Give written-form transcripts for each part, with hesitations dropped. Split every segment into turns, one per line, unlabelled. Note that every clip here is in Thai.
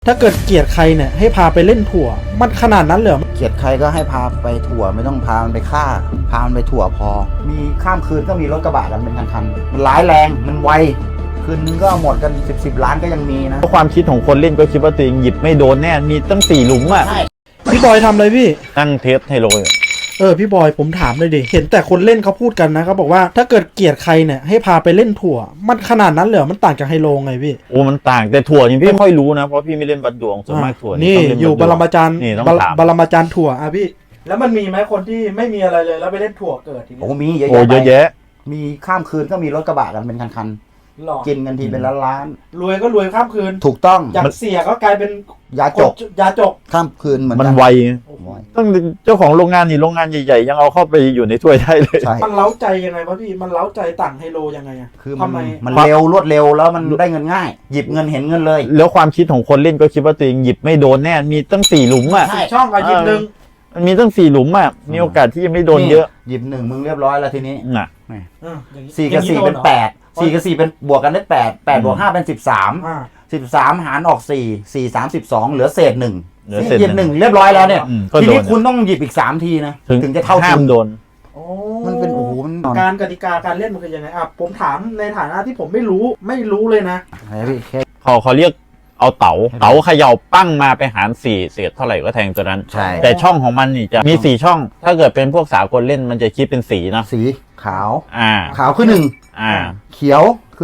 ถ้าเกิดเกลียดใครเนี่ยให้พาไปเล่นถั่วมันขนาดนั้นเลยเหรอ
เกลียดใครก็ให้พาไปถั่วไม่ต้องพามันไปฆ่าพามันไปถั่วพอ มีข้ามคืนก็มีรถกระบะกันเป็นคันๆมันร้ายแรงมันไวคืนนึงก็หมดกัน10 ล้านก็ยังมีนะ
ความคิดของคนเล่นก็คิดว่าตัวเองหยิบไม่โดนแน่มีตั้ง4 หลุมอ่ะ
ใช่
พี่บอยทำอะไรพี่
ตั้งเทสไฮโลอยู่
พี่บอยผมถามเลยดิเห็นแต่คนเล่นเขาพูดกันนะเขาบอกว่าถ้าเกิดเกลียดใครเนี่ยให้พาไปเล่นถั่วมันขนาดนั้นเลยเหรอมันต่างจากไฮโลไงพี่
โอ้มันต่างแต่ถั่วนี่พี่ไม่ค่อยรู้นะเพราะพี่ไม่เล่นบัตรดวงส่วนมากถั่ว
นี่
ต้องเล่น
อยู่บรมาจารย์
นี่ต้องถาม
บรมาจารย์ถั่วพี่แล้วมันมีไหมคนที่ไม่มีอะไรเลยแล้วไปเล่นถั่วเกิดทีนี้
โอ้มีเยอะ
โอ้เยอะ
แยะ
แยะ
มีข้ามคืนก็มีรถกระบะกันเป็นคัน
หลอก
ๆกินกันทีเป็นล้าน
รวยก็รวยข้ามคืน
ๆถูกต้อง
อยากเสียก็กลายเป็น
ยาจก
ยาจก
ข้ามคืนเหมือน
มัน
กัน
ไว
โอ้โห
ต้องเจ้าของโรงงานนี่โรงงานใหญ่ๆยังเอาเข้าไปอยู่ในถ้วยได้เลย
ใช่
มันเล้าใจยังไงวะพี่มันเล้าใจต่างไฮโลยังไงอะ
คือมั
ทำไม
มันเร็วรวดเร็วแล้วมันได้เงินง่าย หยิบเงินเห็นเงินเลย
แล้วความคิดของคนเล่นก็คิดว่าตัวเองหยิบไม่โดนแน่มีตั้ง4 หลุมอ่ะ
ใช่
ช่องกับยิบหนึ่ง
มันมีตั้ง4 หลุมอ่ะมีโอกาสที่จะไม่โดนเยอะ
หยิบหนึ่งมึงเรียบร้อยแล้วทีนี้
น่ะ
อย่างนี้
4 กับ 4 เป็น
อย่างนี้โดนหรอ
8 4 กับ 4 เป็นบวกกันได้8 8 บวก 5 เป็น 13
อ่า
13 หารออก 4 4 3 12 เหลือเศษ1
เหลือเศษ
หยิบ1เรียบร้อยแล้วเนี่ย
ก็
ที
โด
นี้
น
คุณต้องหยิบอีก3ทีนะถึงจะเท่า
ห้า
ทุ
ม
น
โดน
โอ้
มันเป็นโอ้โหมันนอน
การกติกาการเล่นมันคือยังไงอ่ะผมถามในฐานะที่ผมไม่รู้เลยนะ
ไหนพี่แค่
เขาเรียกเอาเต๋าเขย่าปั้งมาไปหาร4เศษเท่าไหร่ก็แทงตัวนั้น
ใช่
แต่ช่องของมันนี่จะมี4 ช่อง ถ้าเกิดเป็นพวกสากลเล่นมันจะคิดเป็นสีนะ
สีขาว
ข
ขาวคือ
อ่า
1 เขียวคือ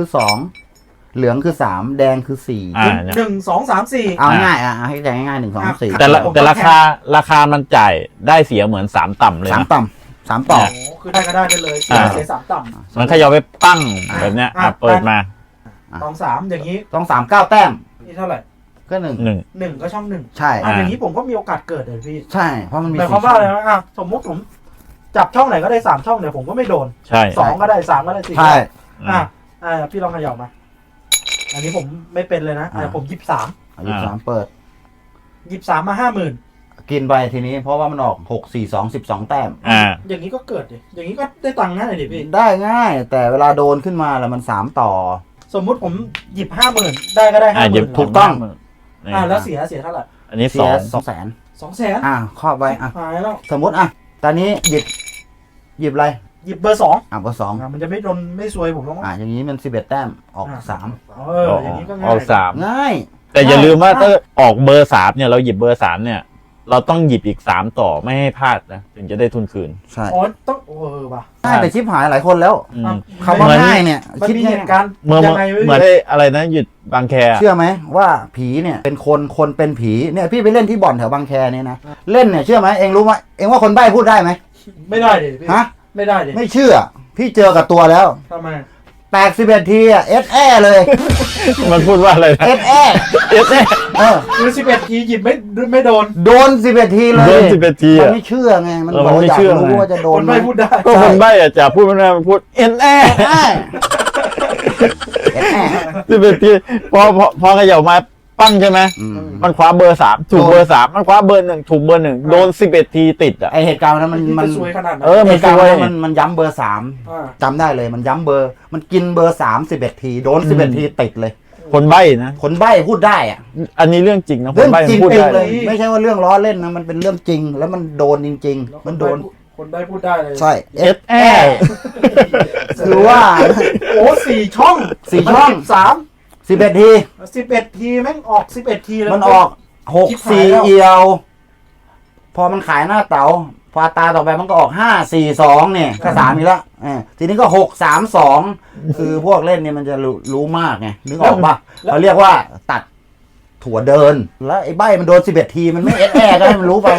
2 เหลืองคือ 3 แดงคือ 4
เนี่ย
1 2 3 4
เอาง่ายให้ใจง่ายๆ1 2 4
แต่ราคามันจ่ายได้เสียเหมือน3 ต่ำเลย
3
นะ
ต่ำ3ต่อ
โอ้คือได้ก็ได้กันเลย
อ่า
เสียสามต่
มันเขย่าไปปั้งแบบเนี้ยเปิดมา
ำ2 3อย่างนี้
ต้อง3 9 แต้ม
นี่เท่าไหร่
ก็1
1ก็ช่อง1
ใช่
อย่างนี้ผมก็มีโอกาสเกิดเลยพี่
ใช่ เพราะมันมี
หมายความว่าอะไรนะอ่ะสมมติผมจับช่องไหนก็ได้3ช่องเนี่ยผมก็ไม่โดน
ใช่
2ก็ได้3ก็ได้4
ใช่
พี่ลองเขย่ามาอันนี้ผมไม่เป็นเลยนะผมหยิบ3
อายุ3เปิด
หยิบ3มา50,000
กินไปทีนี้เพราะว่ามันออก6 4 2 12 แต้ม
อย่างนี้ก็เกิดดิอย่างนี้ก็ได้ตังค์ง่ายดิพี่
ได้ง่าย แต่เวลาโดนขึ้นมาแล้วมัน3ต่อ
สมมุติผมหยิบ50,000ได้ก็ได้
หยิบ
50,000
ถูกต้อง
แล้วเสียเท่าไหร่
อันนี้
เสีย
2
200,000
200,000
ครอบไว้
หายแล้ว
สมมติตอนนี้หยิบอะไร
หยิบเบอร์2
เบอร์2
มันจะไม่โดนไม่ซวยผมหรอก
อย่างนี้มัน11 แต้มออก
อย่างนี้ก็
อ
ง่า
อย ก3
ง่าย
แต่อย่าลืมว่าถ้าออกเบอร์3เนี่ยเราหยิบเบอร์3เนี่ยเราต้องหยิบอีก3ต่อไม่ให้พลาดนะถึงจะได้ทุนคืน
ใช่
ต้องว่ะ
ง่ายแต่ชิปหายหลายคนแล้ว
อืม
คำว่าง่ายเนี่ย
มัน
คิด
มี
ง่า
เห
ย
ตุการณ์
เหมือน
ยังไง
เหมือนอะไรนะหยุดบางแค
เชื่อไหมว่าผีเนี่ยเป็นคนเป็นผีเนี่ยพี่ไปเล่นที่บ่อนแถวบางแคเนี่ยนะเล่นเนี่ยเชื่อไหมเองรู้ไหมเองว่าคนใบ้พูดได้ไหม
ไม่ได้ดิพี่
ฮะ
ไม่ได้ดิ
ไม่เชื่อ พี่เจอกับตัวแล้ว
ทำไม
แตก11 ทีเอสแอเลย
มันพูดว่าอะไรนะ
เอสแอ
คือ11 ทีหยิบไม่โดน
โดน11 ทีเลย
โดน11 ที
มัน
อ่ะ
ไม่เชื่อไงมัน
มันไม่เชื่อ
ยากรู้ว่าจะโด
คน น
ไหม
ไม่พูดได้
ก็คนใบ้อะจะพูดไม่ได้มันพูดเอ็นแอ
เอสแอ
11 ทีพอเขย่ามาปั้งใช่ไหมมันคว้าเบอร์3ถูกเบอร์3มันคว้าเบอร์1ถูกเบอร์1โดน11 ทีติดอ่ะ
ไอเหตุการณ์นั้นมัน
มันซวยขนาดนั้น
เหตุการณ์นั้นมันย้ำเบอร์
อ่า
3จำได้เลยมันย้ำเบอร์มันกินเบอร์3 11 ทีโดน11 ทีติดเลย
คนใบ้นะ
คนใบ้พูดได้อะ
อันนี้เรื่องจริงนะค
เรื่
น
อง
ใบ้
จริง
พูด
เอง
ได้
เลย ไม่ใช่ว่าเรื่องล้อเล่นนะมันเป็นเรื่องจริง แล้วมันโดนจริง ๆ มันโดน
คนได้พูดได้เลย
ใช่
เอสแอ
คือว่า
โอ้4 ช่อง
4 ช่อง 11 ที
11 ทีแม่งออก11 ทีเลย
มันออก6 4เอียว พอมันขายหน้าเต๋าพอตาต่อไปมันก็ออก5 4 2เนี่ยก็3อีกแล้วทีนี้ก็6 3 2คือพวกเล่นเนี่ยมันจะรู้มากไงนึกออกปะเขาเรียกว่าตัดถั่วเดิน แล้วไอ้ใบมันโดน11 ทีมันไม่เอสแอก็ให้มันรู้ไป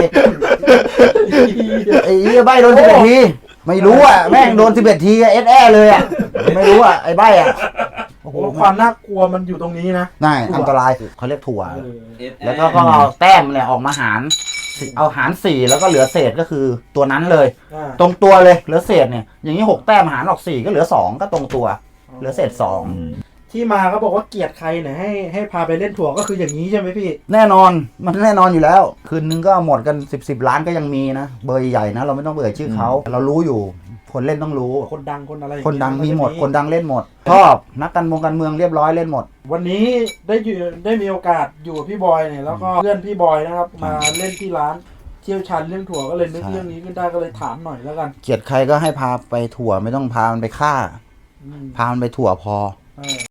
ไอ้ใบโดน11 ทีไม่รู้อ่ะแม่งโดน11 ทีเอสแอเลยอ่ะไม่รู้อ่ะไอ้ใบอ่ะ
โอ้โหความน่ากลัวมันอยู่ตรงนี้นะ
น่าอันตรายเขาเรียกถั่ว แล้วก็เอาแต้มเนี่ยออกมาหารเอาหาร4แล้วก็เหลือเศษก็คือตัวนั้นเลย ตรงตัวเลยเหลือเศษเนี่ยอย่างนี้6 แต้มหารออก4ก็เหลือ2ก็ตรงตัวเหลือเศษ2
ที่มาเขาบอกว่าเกลียดใครเนี่ยให้พาไปเล่นถั่วก็คืออย่างนี้ใช่ไหมพี่
แน่นอนมันแน่นอนอยู่แล้วคืนนึงก็หมดกัน10 ล้านก็ยังมีนะเบอร์ใหญ่นะเราไม่ต้องเอ่ยชื่อเขาเรารู้อยู่คนเล่นต้องรู้
คนดังคนอะไร
คนดังมีหมด
ก็จะ
คนดังเล่นหมด ชอบนักการเมืองเรียบร้อยเล่นหมด
วันนี้ได้มีโอกาสอยู่กับพี่บอยเนี่ยแล้วก็เพื่อนพี่บอยนะครับมาเล่นที่ร้านเชี่ยวชาญเรื่องถั่วก็เลยนึก
ใช่
เรื่องนี้ขึ้นได้ก็เลยถามหน่อยแล้วกัน
เกลียดใครก็ให้พาไปถั่วไม่ต้องพามันไปฆ่า
อืม
พามันไปถั่วพอ
เออ